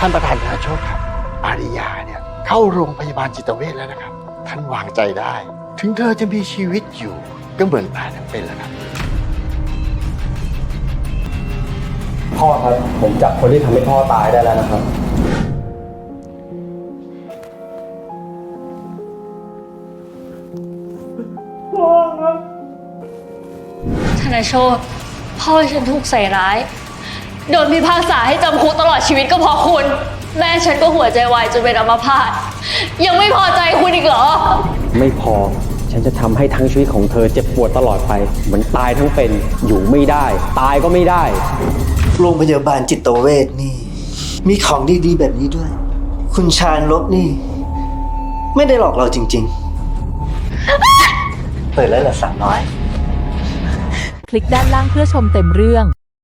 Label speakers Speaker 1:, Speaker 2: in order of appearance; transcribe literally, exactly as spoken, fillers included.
Speaker 1: ท่านประธานธนาโชคครับอาริยาเนี่ยเข้าโรงพยาบาลจิตเวชแล้วนะครับท่านวางใจได้ ถึงเธอจะมีชีวิตอยู่ก็เหมือนตายทั้งเป็นแล้วครับ
Speaker 2: พ่อครับผมจับคนที่ทำให้พ่อตายได้แล้วนะครับ
Speaker 3: ธนโชตพ่อฉันถูกใส่ร้าย โดนพิพากษาให้จำคุกตลอดชีวิตก็เพราะคุณ แม่ฉันก็หัวใจวายจนเป็นอัมพาตยังไม่พอใจคุณอีกเหรอ
Speaker 2: ไม่พอฉันจะทำให้ทั้งชีวิตของเธอเจ็บปวดตลอดไปเหมือนตายทั้งเป็นอยู่ไม่ได้ ตายก็ไม่ได้
Speaker 4: โรงพยาบาลจิตเวชนี่ มีของดีๆแบบนี้ด้วย คุณชาญลบนี่ ไม่ได้หลอกเราจริงๆ เปิดแล้วเหรอสามร้อย
Speaker 5: คลิกด้านล่างเพื่อชมเต็มเรื่อง